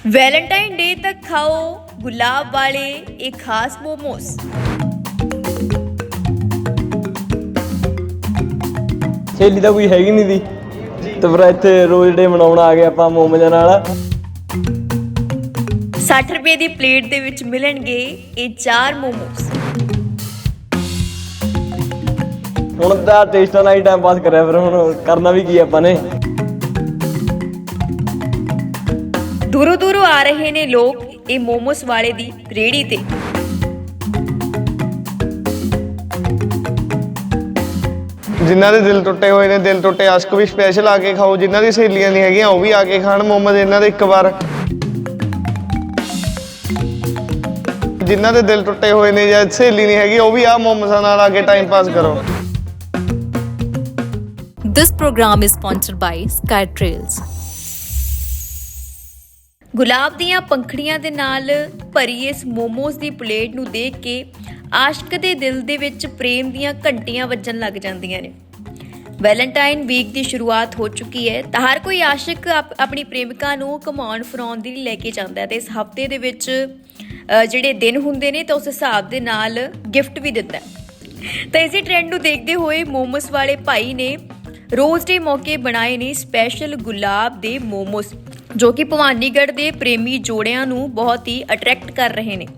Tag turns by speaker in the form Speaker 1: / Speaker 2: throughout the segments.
Speaker 1: Valentine day ਤੱਕ ਖਾਓ ਗੁਲਾਬ ਵਾਲੇ ਇਹ ਖਾਸ ਮੋਮੋਸ।
Speaker 2: ਸਹੇਲੀ ਤਾਂ ਕੋਈ ਹੈਗੀ ਨਹੀਂ ਦੀ ਤੇ ਫਿਰ ਇੱਥੇ ਰੋਜ਼ ਡੇ ਮਨਾਉਣ ਆ ਗਏ ਆਪਾਂ ਮੋਮੋਜ਼ਾਂ ਨਾਲ।
Speaker 1: 60 ਰੁਪਏ ਦੀ ਪਲੇਟ ਦੇ ਵਿੱਚ ਮਿਲਣਗੇ ਇਹ 4 ਮੋਮੋਸ।
Speaker 2: ਹੁਣ ਤਾਂ ਟੇਸਟਾਂ ਨਾਲ ਹੀ ਟਾਈਮ ਪਾਸ ਕਰਿਆ, ਫਿਰ ਹੁਣ ਕਰਨਾ ਵੀ ਕੀ ਆਪਾਂ ਨੇ।
Speaker 1: ਦੂਰੋਂ ਦੂਰੋਂ ਆ ਰਹੇ ਨੇ ਲੋਕ ਇਹ ਮੋਮੋਸ ਵਾਲੇ ਦੀ ਰੇਹੜੀ ਤੇ।
Speaker 3: ਜਿਨ੍ਹਾਂ ਦੇ ਦਿਲ ਟੁੱਟੇ ਹੋਏ ਨੇ, ਦਿਲ ਟੁੱਟੇ ਆਸ਼ਕ ਵੀ ਸਪੈਸ਼ਲ ਆ ਕੇ ਖਾਓ। ਜਿਨ੍ਹਾਂ ਦੀ ਸਹੇਲੀਆਂ ਨਹੀਂ ਹੈਗੀਆਂ ਉਹ ਵੀ ਆ ਕੇ ਖਾਣ ਮੋਮੋਜ਼ ਇਹਨਾਂ ਦੇ ਇੱਕ ਵਾਰ। ਜਿਨ੍ਹਾਂ ਦੇ ਦਿਲ ਟੁੱਟੇ ਹੋਏ ਨੇ ਜਾਂ ਸਹੇਲੀ ਨਹੀਂ ਹੈਗੀ ਉਹ ਵੀ ਆ ਮੋਮੋਜ਼ਾਂ ਨਾਲ ਆ ਕੇ ਟਾਈਮ ਪਾਸ ਕਰੋ।
Speaker 4: This program is sponsored by Sky Trails.
Speaker 1: ਗੁਲਾਬ ਦੀਆਂ ਪੰਖੜੀਆਂ ਦੇ ਨਾਲ ਭਰੀ ਇਸ ਮੋਮੋਸ ਦੀ ਪਲੇਟ ਨੂੰ ਦੇਖ ਕੇ ਆਸ਼ਕ ਦੇ ਦਿਲ ਦੇ ਵਿੱਚ ਪ੍ਰੇਮ ਦੀਆਂ ਘੰਟੀਆਂ ਵੱਜਣ ਲੱਗ ਜਾਂਦੀਆਂ ਨੇ। ਵੈਲੈਂਟਾਈਨ ਵੀਕ ਦੀ ਸ਼ੁਰੂਆਤ ਹੋ ਚੁੱਕੀ ਹੈ ਤਾਂ ਹਰ ਕੋਈ ਆਸ਼ਿਕ ਆਪਣੀ ਪ੍ਰੇਮਿਕਾ ਨੂੰ ਘੁਮਾਉਣ ਫਿਰਾਉਣ ਦੇ ਲਈ ਲੈ ਕੇ ਜਾਂਦਾ ਹੈ ਤੇ ਇਸ ਹਫਤੇ ਦੇ ਵਿੱਚ ਜਿਹੜੇ ਦਿਨ ਹੁੰਦੇ ਨੇ ਤਾਂ ਉਸ ਹਿਸਾਬ ਦੇ ਨਾਲ ਗਿਫਟ ਵੀ ਦਿੰਦਾ ਹੈ। ਤਾਂ ਇਸੇ ਟ੍ਰੈਂਡ ਨੂੰ ਦੇਖਦੇ ਹੋਏ ਮੋਮੋਸ ਵਾਲੇ ਭਾਈ ਨੇ ਰੋਜ਼ ਡੇ ਮੌਕੇ ਬਣਾਏ ਨੇ ਸਪੈਸ਼ਲ ਗੁਲਾਬ ਦੇ ਮੋਮੋਸ, ਜੋ ਕਿ ਭਵਾਨੀਗੜ੍ਹ ਦੇ ਪ੍ਰੇਮੀ ਜੋੜਿਆਂ ਨੂੰ ਬਹੁਤ ਹੀ ਅਟਰੈਕਟ ਕਰ ਰਹੇ ਨੇ।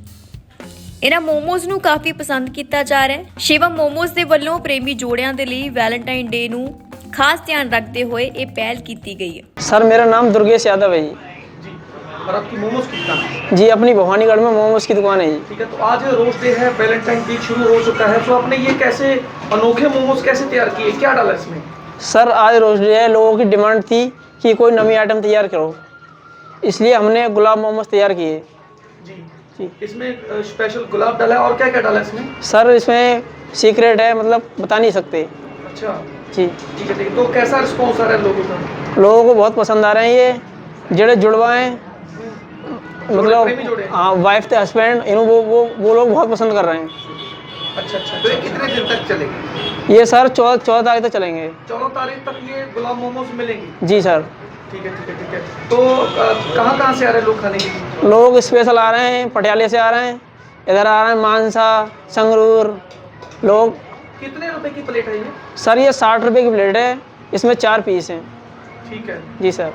Speaker 1: ਇਹਨਾਂ ਮੋਮੋਸ ਨੂੰ ਕਾਫੀ ਪਸੰਦ ਕੀਤਾ ਜਾ ਰਿਹਾ ਹੈ। ਸ਼ਿਵਮ ਮੋਮੋਸ ਦੇ ਵੱਲੋਂ ਪ੍ਰੇਮੀ ਜੋੜਿਆਂ ਦੇ ਲਈ ਵੈਲੈਂਟਾਈਨ ਡੇ ਨੂੰ ਖਾਸ ਧਿਆਨ ਰੱਖਦੇ ਹੋਏ ਇਹ ਪਹਿਲ ਕੀਤੀ गई है।
Speaker 5: सर मेरा नाम दुर्गेश यादव है जी।
Speaker 6: और आपकी मोमोज की दुकान है?
Speaker 5: जी अपनी भवानीगढ़ में मोमोज की दुकान है जी।
Speaker 6: ठीक है, तो आज रोज डे है, वैलेंटाइन वीक शुरू हो चुका है, तो आपने ये कैसे अनोखे मोमोज कैसे तैयार किए, क्या डाला इसमें?
Speaker 5: सर आज रोज डे है, लोगों की डिमांड थी कि कोई नवी आइटम तैयार करो, इसलिए हमने गुलाब मोमोज तैयार किए
Speaker 6: जी जी। इसमें स्पेशल गुलाब डाला है और क्या क्या डाला है इसमें?
Speaker 5: सर इसमें सीक्रेट है, मतलब बता नहीं सकते।
Speaker 6: अच्छा
Speaker 5: जी
Speaker 6: ठीक है ठीक है। तो कैसा रिस्पॉन्स आ रहा है लोगों का?
Speaker 5: लोगों को बहुत पसंद आ रहे हैं ये जेड़े जुड़वा हैं,
Speaker 6: प्रेमी जोड़े
Speaker 5: मतलब
Speaker 6: हैं?
Speaker 5: हाँ वाइफ थे हस्बैंड, इन वो लोग बहुत पसंद कर रहे हैं।
Speaker 6: अच्छा अच्छा। तो ये कितने दिन तक चलेगी?
Speaker 5: ये सर 14 तारीख तक चलेंगे।
Speaker 6: 14 तारीख तक ये गुलाब मोमोज मिलेंगी?
Speaker 5: जी सर।
Speaker 6: ठीक है ठीक है ठीक है। तो कहाँ से आ रहे हैं लोग खाने के लिए?
Speaker 5: लोग स्पेशल आ रहे हैं, पटियाले से आ रहे हैं, इधर आ रहे हैं मानसा संगरूर लोग।
Speaker 6: कितने रुपए की प्लेट है ये?
Speaker 5: सर ये 60 रुपये की प्लेट है, इसमें 4 पीस हैं।
Speaker 6: ठीक है
Speaker 5: जी सर।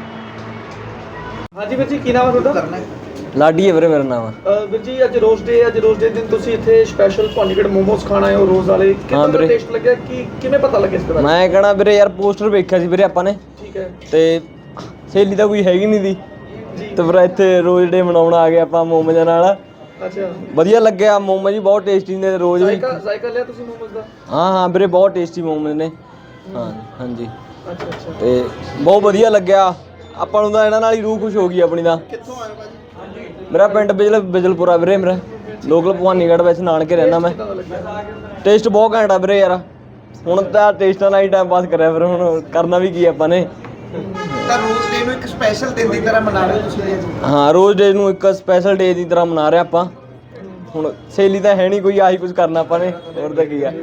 Speaker 6: हाँ जी ਵੀਰ ਜੀ, ਕੀ ਨਾਮ ਹੈ ਤੁਹਾਡਾ?
Speaker 2: ਲਾਡੀ ਹੈ ਵੀਰੇ ਮੇਰਾ ਨਾਮ ਆ।
Speaker 6: ਵੀਰ ਜੀ ਅੱਜ ਰੋਜ਼ ਡੇ ਦਿਨ ਤੁਸੀਂ ਇੱਥੇ ਸਪੈਸ਼ਲ ਭਵਾਨੀਗੜ੍ਹ ਮੋਮੋਸ ਖਾਣ ਆਏ ਹੋ ਰੋਜ਼ ਵਾਲੇ। ਕਿੰਨਾ ਦਾ
Speaker 2: ਵੀਰੇ।
Speaker 6: ਟੇਸਟ ਲੱਗਿਆ, ਕਿਵੇਂ ਪਤਾ ਲੱਗਿਆ ਇਸ ਬਾਰੇ?
Speaker 2: ਮੈਂ ਕਹਣਾ ਵੀਰੇ ਯਾਰ ਪੋਸਟਰ ਵੇਖਿਆ ਸੀ ਵੀਰੇ ਆਪਾਂ ਨੇ
Speaker 6: ਠੀਕ ਹੈ
Speaker 2: ਤੇ ਸਹੇਲੀ ਤਾਂ ਕੋਈ ਹੈਗੀ ਨਹੀਂ ਦੀ ਤੇ ਫਿਰ ਇੱਥੇ ਰੋਜ਼ ਡੇ ਮਨਾਉਣ ਆ ਗਏ ਆਪਾਂ ਮੋਮੋਜ਼ਾਂ ਨਾਲ।
Speaker 6: ਅੱਛਾ।
Speaker 2: ਵਧੀਆ ਲੱਗਿਆ, ਮੋਮੋਜ਼ ਵੀ ਬਹੁਤ ਟੇਸਟੀ ਨੇ ਰੋਜ਼ ਵੀ।
Speaker 6: ਜ਼ਾਇਕਾ ਲਿਆ ਤੁਸੀਂ ਮੋਮੋਸ ਦਾ?
Speaker 2: ਹਾਂ ਵੀਰੇ ਬਹੁਤ ਟੇਸਟੀ ਮੋਮੋਜ਼ ਨੇ। ਹਾਂ ਹਾਂਜੀ
Speaker 6: ਅੱਛਾ ਅੱਛਾ।
Speaker 2: ਤੇ ਬਹੁਤ ਵਧੀਆ ਲੱਗਿਆ ਆਪਾਂ ਨੂੰ ਤਾਂ, ਇਹਨਾਂ ਨਾਲ ਹੀ ਰੂਹ ਖੁਸ਼ ਹੋ ਗਈ ਆਪਣੀ ਦਾ।
Speaker 6: ਕਿੱਥੋਂ ਆਏ ਭਾਜੀ?
Speaker 2: ਮੇਰਾ ਪਿੰਡ ਬਿਜਲਪੁਰਾ ਵੀਰੇ, ਮੇਰਾ ਲੋਕਲ ਭਵਾਨੀਗੜ੍ਹ ਵਿੱਚ ਨਾਨਕੇ ਰਹਿਣਾ ਮੈਂ। ਟੇਸਟ ਬਹੁਤ ਘੈਂਟ ਆ ਵੀਰੇ ਯਾਰ। ਹੁਣ ਤਾਂ ਟੇਸਟਾਂ ਨਾਲ ਹੀ ਟਾਈਮ ਪਾਸ ਕਰਿਆ, ਫਿਰ ਹੁਣ ਕਰਨਾ ਵੀ ਕੀ ਆਪਾਂ ਨੇ।
Speaker 7: ਤਾਂ ਰੋਜ਼ ਡੇ ਨੂੰ ਇੱਕ ਸਪੈਸ਼ਲ ਦਿਨ ਦੀ ਤਰ੍ਹਾਂ ਮਨਾ ਰਹੇ ਹੋ ਤੁਸੀਂ ਜੀ?
Speaker 2: ਹਾਂ ਰੋਜ਼ ਡੇ ਨੂੰ ਇੱਕ ਸਪੈਸ਼ਲ ਡੇ ਦੀ ਤਰ੍ਹਾਂ ਮਨਾ ਰਹੇ ਆਪਾਂ। ਹੁਣ ਸਹੇਲੀ ਤਾਂ ਹੈ ਨਹੀਂ ਕੋਈ, ਆਹੀ ਕੁਝ ਕਰਨਾ ਆਪਾਂ ਨੇ, ਹੋਰ ਤਾਂ ਕੀ ਆ।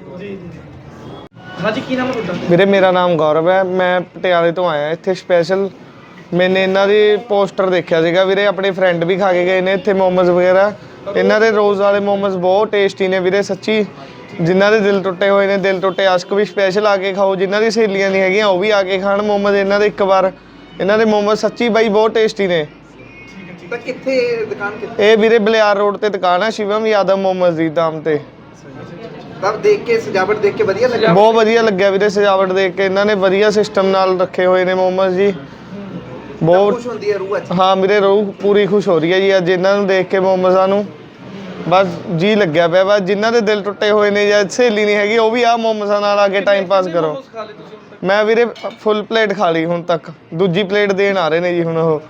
Speaker 6: ਹਾਂਜੀ ਕੀ ਨਾਮ ਹੈ ਤੁਹਾਡਾ?
Speaker 3: ਵੀਰੇ ਮੇਰਾ ਨਾਮ ਗੌਰਵ ਹੈ, ਮੈਂ ਪਟਿਆਲੇ ਤੋਂ ਆਇਆ ਇੱਥੇ ਸਪੈਸ਼ਲ। ਮੈਨੇ ਇਹਨਾਂ ਦੀ ਪੋਸਟਰ ਦੇਖਿਆ ਸੀਗਾ ਵੀਰੇ, ਆਪਣੇ ਫਰੈਂਡ ਵੀ ਖਾ ਕੇ ਗਏ ਨੇ ਇੱਥੇ ਮੋਮੋਜ਼ ਵਗੈਰਾ। ਇਹਨਾਂ ਦੇ ਰੋਜ਼ ਵਾਲੇ ਮੋਮੋਜ਼ ਬਹੁਤ ਟੇਸਟੀ ਨੇ ਵੀਰੇ ਸੱਚੀ। ਜਿਨ੍ਹਾਂ ਦੇ ਦਿਲ ਟੁੱਟੇ ਹੋਏ ਨੇ, ਦਿਲ ਟੁੱਟੇ ਆਸ਼ਕ ਵੀ ਸਪੈਸ਼ਲ ਆ ਕੇ ਖਾਓ। ਜਿਨ੍ਹਾਂ ਦੀ ਸਹੇਲੀਆਂ ਨਹੀਂ ਹੈਗੀਆਂ ਉਹ ਵੀ ਆ ਕੇ ਖਾਣ ਮੋਮੋਜ਼ ਇਹਨਾਂ ਦੇ ਇੱਕ ਵਾਰ। ਇਹਨਾਂ ਦੇ ਮੋਮੋਜ਼ ਸੱਚੀ ਬਾਈ ਬਹੁਤ ਟੇਸਟੀ ਨੇ।
Speaker 7: ਤਾਂ ਕਿੱਥੇ ਦੁਕਾਨ ਕਿੱਥੇ?
Speaker 3: ਇਹ ਵੀਰੇ ਬਲਿਆਰ ਰੋਡ ਤੇ ਦੁਕਾਨ ਹੈ, ਸ਼ਿਵਮ ਯਾਦਵ ਮੋਮੋਜ਼ ਦੀ ਨਾਮ ਤੇ।
Speaker 7: ਤਾਂ ਦੇਖ ਕੇ ਸਜਾਵਟ ਦੇਖ ਕੇ ਵਧੀਆ ਲੱਗਿਆ?
Speaker 3: ਬਹੁਤ ਵਧੀਆ ਲੱਗਿਆ ਵੀਰੇ ਸਜਾਵਟ ਦੇਖ ਕੇ। ਇਹਨਾਂ ਨੇ ਵਧੀਆ ਸਿਸਟਮ ਨਾਲ ਰੱਖੇ ਹੋਏ ਨੇ ਮੋਮੋਜ਼ ਜੀ, ਬਹੁਤ
Speaker 7: ਖੁਸ਼ ਹੁੰਦੀ ਹੈ ਰੂਹ ਅੱਜ?
Speaker 3: ਹਾਂ ਵੀਰੇ ਰੂਹ ਪੂਰੀ ਖੁਸ਼ ਹੋ ਰਹੀ ਹੈ ਜੀ ਅੱਜ ਇਹਨਾਂ ਨੂੰ ਦੇਖ ਕੇ, ਮੋਮੋਜ਼ਾਂ ਨੂੰ। ਬਸ ਜੀ ਲੱਗਿਆ ਪਿਆ ਬਸ। ਜਿਨ੍ਹਾਂ ਦੇ ਦਿਲ ਟੁੱਟੇ ਹੋਏ ਨੇ ਜਾਂ ਸਹੇਲੀ ਨਹੀਂ ਹੈਗੀ ਉਹ ਵੀ ਆ ਮੋਮੋਜ਼ਾਂ ਨਾਲ ਆ ਕੇ ਟਾਈਮ ਪਾਸ ਕਰੋ। ਮੈਂ ਵੀਰੇ ਫੁੱਲ ਪਲੇਟ ਖਾ ਲਈ ਹੁਣ ਤੱਕ, ਦੂਜੀ ਪਲੇਟ ਦੇਣ ਆ ਰਹੇ ਨੇ ਜੀ ਹੁਣ ਉਹ।